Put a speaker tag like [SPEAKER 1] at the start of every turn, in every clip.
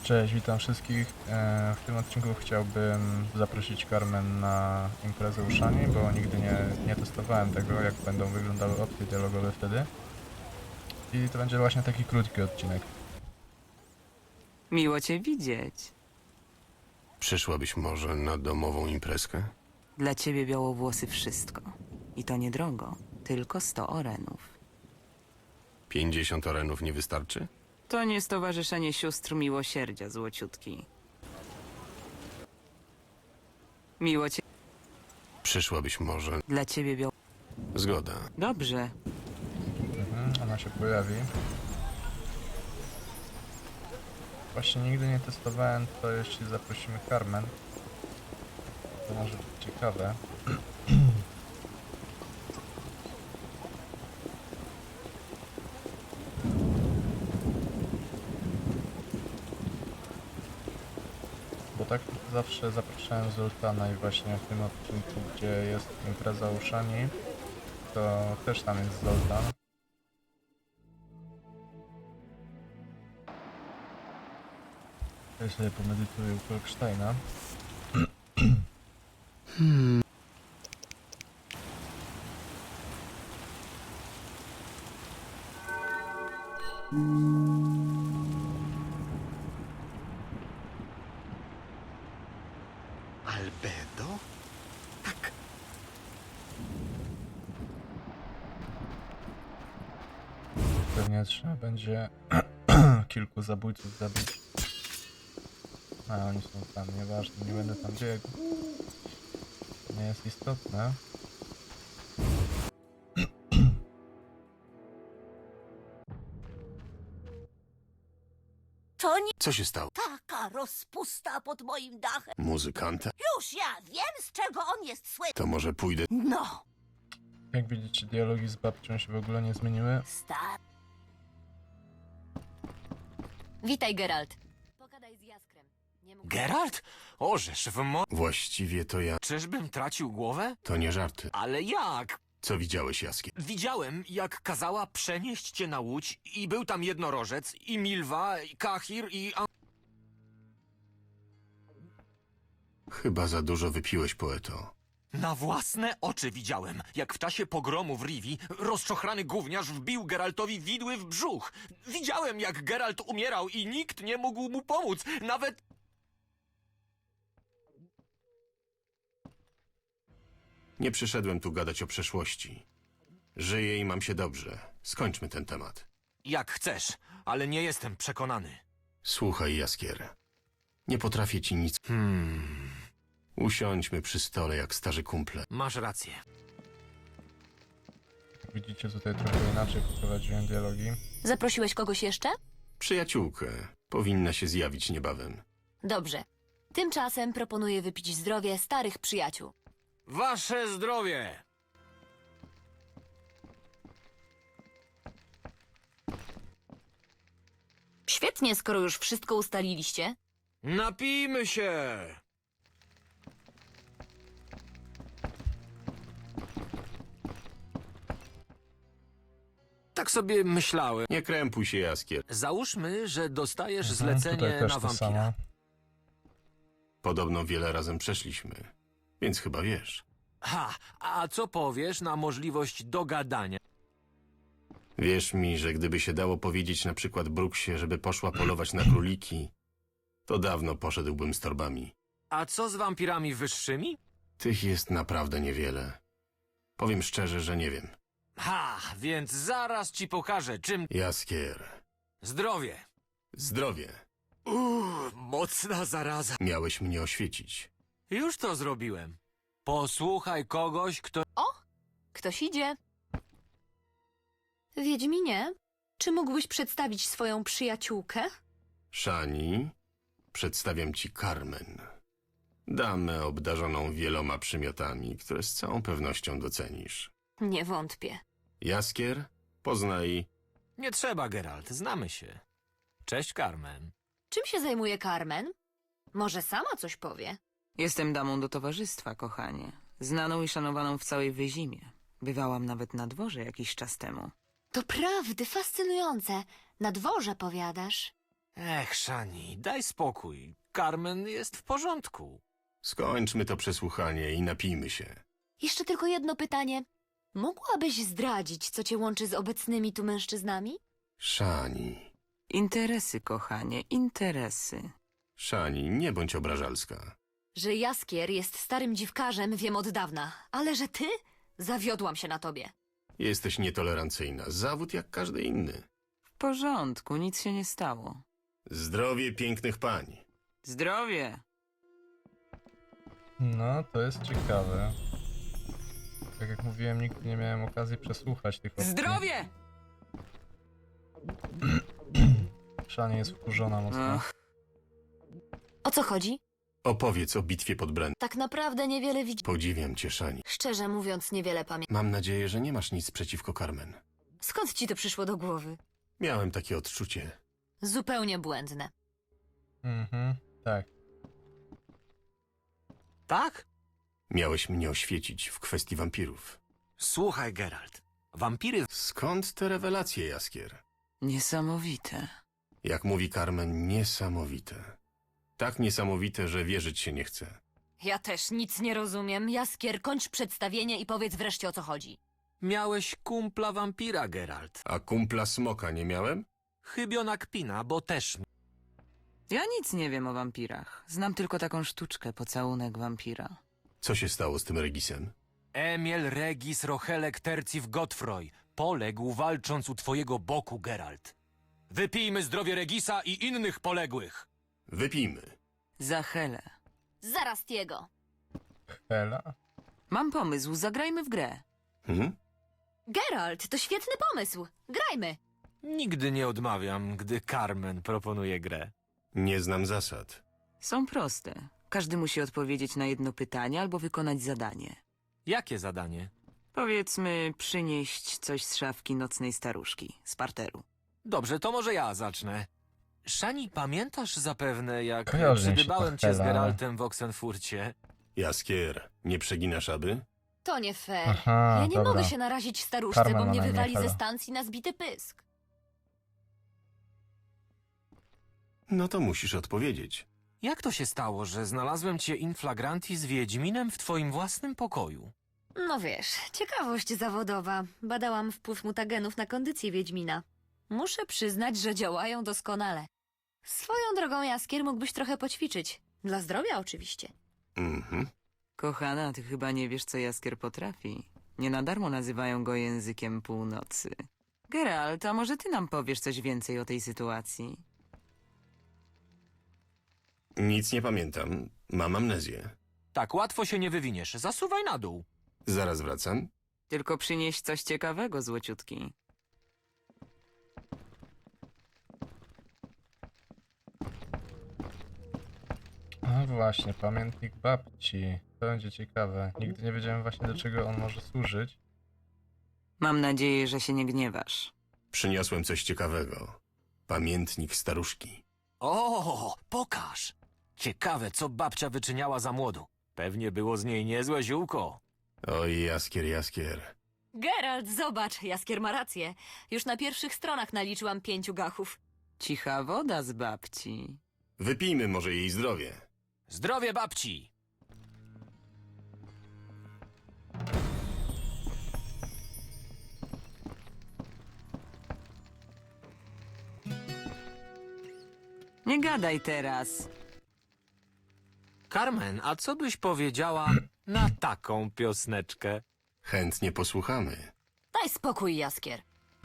[SPEAKER 1] Cześć, witam wszystkich. W tym odcinku chciałbym zaprosić Carmen na imprezę uszami, bo nigdy nie testowałem tego, jak będą wyglądały opcje dialogowe wtedy. I to będzie właśnie taki krótki odcinek.
[SPEAKER 2] Miło cię widzieć.
[SPEAKER 3] Przyszłabyś może na domową imprezkę?
[SPEAKER 2] Dla ciebie białowłosy wszystko. I to niedrogo. Tylko 100 orenów.
[SPEAKER 3] 50 orenów nie wystarczy?
[SPEAKER 2] To nie Stowarzyszenie Sióstr Miłosierdzia, złociutki. Miło cię...
[SPEAKER 3] Przyszłabyś może...
[SPEAKER 2] Dla ciebie
[SPEAKER 3] Zgoda.
[SPEAKER 2] Dobrze.
[SPEAKER 1] Ona się pojawi. Właśnie nigdy nie testowałem, to jeśli zaprosimy Carmen, to może być ciekawe. Bo tak zawsze zapraszałem Zoltana i właśnie w tym odcinku, gdzie jest impreza uszami, to też tam jest Zoltan. Ja sobie pomedytuję u Kolksteina.
[SPEAKER 4] Albedo? Tak.
[SPEAKER 1] Pewnie trzeba będzie kilku zabójców zabić. A oni są tam, nieważne, nie będę tam biegł. Nie jest istotne.
[SPEAKER 5] To nie
[SPEAKER 3] Co się stało?
[SPEAKER 5] taka rozpusta pod moim dachem.
[SPEAKER 3] Muzykanta?
[SPEAKER 5] Już ja wiem, z czego on jest słynny.
[SPEAKER 3] To może pójdę...
[SPEAKER 5] No,
[SPEAKER 1] Jak widzicie, dialogi z babcią się w ogóle nie zmieniły.
[SPEAKER 5] stary.
[SPEAKER 6] Witaj, Geralt. Pogadaj z Jaskrem. Nie mógł...
[SPEAKER 4] Geralt? Orzesz w mo...
[SPEAKER 3] Właściwie to ja...
[SPEAKER 4] Czyżbym tracił głowę?
[SPEAKER 3] To nie żarty.
[SPEAKER 4] Ale jak?
[SPEAKER 3] Co widziałeś, Jaskier?
[SPEAKER 4] Widziałem, jak kazała przenieść cię na łódź i był tam jednorożec, i Milwa, i Kahir, i...
[SPEAKER 3] Chyba za dużo wypiłeś, poeto.
[SPEAKER 4] Na własne oczy widziałem, jak w czasie pogromu w Rivi rozczochrany gówniarz wbił Geraltowi widły w brzuch. Widziałem, jak Geralt umierał i nikt nie mógł mu pomóc, nawet...
[SPEAKER 3] Nie przyszedłem tu gadać o przeszłości. Żyję i mam się dobrze. Skończmy ten temat.
[SPEAKER 4] Jak chcesz, ale nie jestem przekonany.
[SPEAKER 3] Słuchaj, Jaskier. Nie potrafię ci nic... Usiądźmy przy stole jak starzy kumple.
[SPEAKER 4] Masz rację.
[SPEAKER 1] Jak widzicie, tutaj trochę inaczej poprowadziłem dialogi.
[SPEAKER 6] Zaprosiłeś kogoś jeszcze?
[SPEAKER 3] Przyjaciółkę. Powinna się zjawić niebawem.
[SPEAKER 6] Dobrze. Tymczasem proponuję wypić zdrowie starych przyjaciół.
[SPEAKER 4] Wasze zdrowie!
[SPEAKER 6] Świetnie, skoro już wszystko ustaliliście.
[SPEAKER 4] Napijmy się! Tak sobie myślałem.
[SPEAKER 3] Nie krępuj się, Jaskier.
[SPEAKER 4] Załóżmy, że dostajesz
[SPEAKER 1] Tutaj
[SPEAKER 4] zlecenie
[SPEAKER 1] też
[SPEAKER 4] na
[SPEAKER 1] to
[SPEAKER 4] wampira.
[SPEAKER 1] samo.
[SPEAKER 3] Podobno wiele razem przeszliśmy. Więc chyba wiesz.
[SPEAKER 4] Ha, a co powiesz na możliwość dogadania?
[SPEAKER 3] Wierz mi, że gdyby się dało powiedzieć na przykład Brooksie, żeby poszła polować na króliki, to dawno poszedłbym z torbami.
[SPEAKER 4] A co z wampirami wyższymi?
[SPEAKER 3] Tych jest naprawdę niewiele. Powiem szczerze, że nie wiem.
[SPEAKER 4] Ha, więc zaraz ci pokażę, czym...
[SPEAKER 3] Jaskier.
[SPEAKER 4] Zdrowie!
[SPEAKER 3] Zdrowie.
[SPEAKER 4] Mocna zaraza.
[SPEAKER 3] Miałeś mnie oświecić.
[SPEAKER 4] Już to zrobiłem. Posłuchaj kogoś, kto...
[SPEAKER 6] Ktoś idzie. Wiedźminie, czy mógłbyś przedstawić swoją przyjaciółkę?
[SPEAKER 3] Szani, przedstawiam ci Carmen. Damę obdarzoną wieloma przymiotami, które z całą pewnością docenisz.
[SPEAKER 6] Nie wątpię.
[SPEAKER 3] Jaskier, poznaj...
[SPEAKER 4] Nie trzeba, Geralt, znamy się. Cześć, Carmen.
[SPEAKER 6] Czym się zajmuje Carmen? Może sama coś powie?
[SPEAKER 2] Jestem damą do towarzystwa, kochanie. Znaną i szanowaną w całej Wyzimie. Bywałam nawet na dworze jakiś czas temu.
[SPEAKER 6] To prawdy fascynujące. Na dworze powiadasz.
[SPEAKER 4] Ech, Shani, daj spokój. Carmen jest w porządku.
[SPEAKER 3] Skończmy to przesłuchanie i napijmy się.
[SPEAKER 6] Jeszcze tylko jedno pytanie. Mogłabyś zdradzić, co cię łączy z obecnymi tu mężczyznami?
[SPEAKER 3] Szani,
[SPEAKER 2] Interesy, kochanie, interesy.
[SPEAKER 3] Szani, nie bądź obrażalska.
[SPEAKER 6] Że Jaskier jest starym dziwkarzem, wiem od dawna. Ale że ty? Zawiodłam się na tobie.
[SPEAKER 3] Jesteś nietolerancyjna. Zawód jak każdy inny.
[SPEAKER 2] W porządku, nic się nie stało.
[SPEAKER 3] Zdrowie pięknych pań.
[SPEAKER 2] Zdrowie!
[SPEAKER 1] No, to jest ciekawe. Tak jak mówiłem, nigdy nie miałem okazji przesłuchać tych opcji.
[SPEAKER 2] Zdrowie!
[SPEAKER 1] Szani jest wkurzona mocno.
[SPEAKER 2] Ach,
[SPEAKER 6] O co chodzi?
[SPEAKER 3] Opowiedz o bitwie pod Bren.
[SPEAKER 6] Tak naprawdę niewiele widzi.
[SPEAKER 3] Podziwiam cię, Szani.
[SPEAKER 6] Szczerze mówiąc, niewiele pamiętam.
[SPEAKER 3] Mam nadzieję, że nie masz nic przeciwko Carmen.
[SPEAKER 6] Skąd ci to przyszło do głowy?
[SPEAKER 3] Miałem takie odczucie.
[SPEAKER 6] Zupełnie błędne.
[SPEAKER 1] Tak.
[SPEAKER 4] Tak?
[SPEAKER 3] Miałeś mnie oświecić w kwestii wampirów.
[SPEAKER 4] Słuchaj, Geralt. Wampiry
[SPEAKER 3] Skąd te rewelacje, Jaskier?
[SPEAKER 2] niesamowite.
[SPEAKER 3] Jak mówi Carmen, niesamowite. Tak niesamowite, że wierzyć się nie chce.
[SPEAKER 6] Ja też nic nie rozumiem. Jaskier, kończ przedstawienie i powiedz wreszcie, o co chodzi.
[SPEAKER 4] miałeś kumpla wampira, Geralt.
[SPEAKER 3] A kumpla smoka nie miałem?
[SPEAKER 4] Chybiona kpina, bo też...
[SPEAKER 2] Ja nic nie wiem o wampirach. Znam tylko taką sztuczkę, pocałunek wampira.
[SPEAKER 3] Co się stało z tym Regisem?
[SPEAKER 4] Emil Regis Rochelek Tercif Godfroy poległ walcząc u twojego boku, Geralt. Wypijmy zdrowie Regisa i innych poległych.
[SPEAKER 3] Wypijmy.
[SPEAKER 2] Za Helę.
[SPEAKER 6] Zaraz jego.
[SPEAKER 1] Hela?
[SPEAKER 2] Mam pomysł, zagrajmy w grę.
[SPEAKER 6] Geralt, to świetny pomysł. Grajmy.
[SPEAKER 4] Nigdy nie odmawiam, gdy Carmen proponuje grę.
[SPEAKER 3] Nie znam zasad.
[SPEAKER 2] Są proste. Każdy musi odpowiedzieć na jedno pytanie albo wykonać zadanie.
[SPEAKER 4] Jakie zadanie?
[SPEAKER 2] Powiedzmy, przynieść coś z szafki nocnej staruszki, z parteru.
[SPEAKER 4] Dobrze, to może ja zacznę. Szani, pamiętasz zapewne, jak
[SPEAKER 1] Kojarzy mi się
[SPEAKER 4] przybywałem
[SPEAKER 1] to
[SPEAKER 4] cię z
[SPEAKER 1] Hela.
[SPEAKER 4] Geraltem w Oxenfurcie?
[SPEAKER 3] Jaskier, nie przeginasz aby?
[SPEAKER 6] To nie fair.
[SPEAKER 1] Aha,
[SPEAKER 6] Ja nie
[SPEAKER 1] dobra.
[SPEAKER 6] mogę się narazić staruszce,
[SPEAKER 1] Carmen
[SPEAKER 6] bo
[SPEAKER 1] ma
[SPEAKER 6] mnie
[SPEAKER 1] na imię
[SPEAKER 6] wywali ze
[SPEAKER 1] Hela.
[SPEAKER 6] stacji na zbity pysk.
[SPEAKER 3] No to musisz odpowiedzieć.
[SPEAKER 4] Jak to się stało, że znalazłem cię in flagranti z Wiedźminem w twoim własnym pokoju?
[SPEAKER 6] No wiesz, ciekawość zawodowa. Badałam wpływ mutagenów na kondycję Wiedźmina. Muszę przyznać, że działają doskonale. Swoją drogą, Jaskier, mógłbyś trochę poćwiczyć. Dla zdrowia oczywiście.
[SPEAKER 2] Kochana, ty chyba nie wiesz, co Jaskier potrafi. Nie na darmo nazywają go językiem północy. Geralt, a może ty nam powiesz coś więcej o tej sytuacji?
[SPEAKER 3] Nic nie pamiętam. Mam amnezję.
[SPEAKER 4] Tak łatwo się nie wywiniesz. Zasuwaj na dół.
[SPEAKER 3] Zaraz wracam.
[SPEAKER 2] Tylko przynieś coś ciekawego, złociutki.
[SPEAKER 1] A właśnie, pamiętnik babci. To będzie ciekawe. Nigdy nie wiedziałem właśnie, do czego on może służyć.
[SPEAKER 2] Mam nadzieję, że się nie gniewasz.
[SPEAKER 3] Przyniosłem coś ciekawego. Pamiętnik staruszki.
[SPEAKER 4] O, pokaż! Ciekawe, co babcia wyczyniała za młodu. Pewnie było z niej niezłe ziółko.
[SPEAKER 3] Oj, Jaskier, Jaskier.
[SPEAKER 6] Geralt, zobacz, Jaskier ma rację. Już na pierwszych stronach naliczyłam 5 gachów.
[SPEAKER 2] Cicha woda z babci.
[SPEAKER 3] Wypijmy może jej zdrowie.
[SPEAKER 4] Zdrowie babci!
[SPEAKER 2] Nie gadaj teraz.
[SPEAKER 4] Carmen, a co byś powiedziała na taką piosneczkę?
[SPEAKER 3] Chętnie posłuchamy.
[SPEAKER 6] Daj spokój, Jaskier.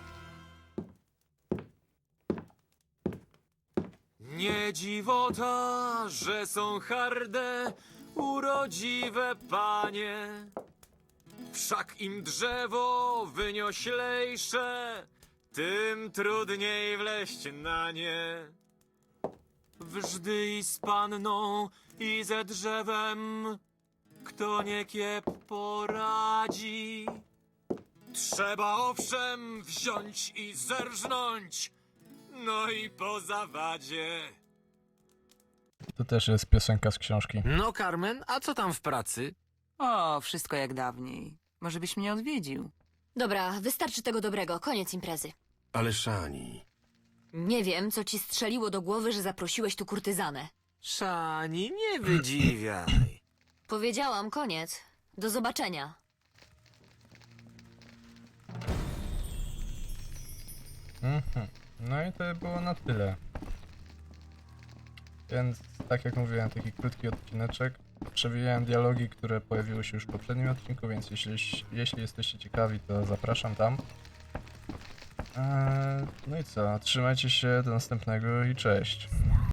[SPEAKER 4] Nie dziwota, że są harde, urodziwe panie. Wszak im drzewo wynioślejsze, tym trudniej wleść na nie. Wżdy i z panną, i ze drzewem, kto nie kiep poradzi. Trzeba owszem wziąć i zerżnąć, no i po zawadzie.
[SPEAKER 1] To też jest piosenka z książki.
[SPEAKER 4] No, Carmen, a co tam w pracy?
[SPEAKER 2] O, wszystko jak dawniej. Może byś mnie odwiedził?
[SPEAKER 6] Dobra, wystarczy tego dobrego. Koniec imprezy.
[SPEAKER 3] Ale Szani,
[SPEAKER 6] Nie wiem, co ci strzeliło do głowy, że zaprosiłeś tu kurtyzanę.
[SPEAKER 4] Szani, nie wydziwiaj.
[SPEAKER 6] Powiedziałam, koniec. Do zobaczenia.
[SPEAKER 1] No i to było na tyle. Więc, tak jak mówiłem, taki krótki odcineczek. Przewijałem dialogi, które pojawiły się już w poprzednim odcinku, więc jeśli jesteście ciekawi, to zapraszam tam. No i co, trzymajcie się, do następnego i cześć.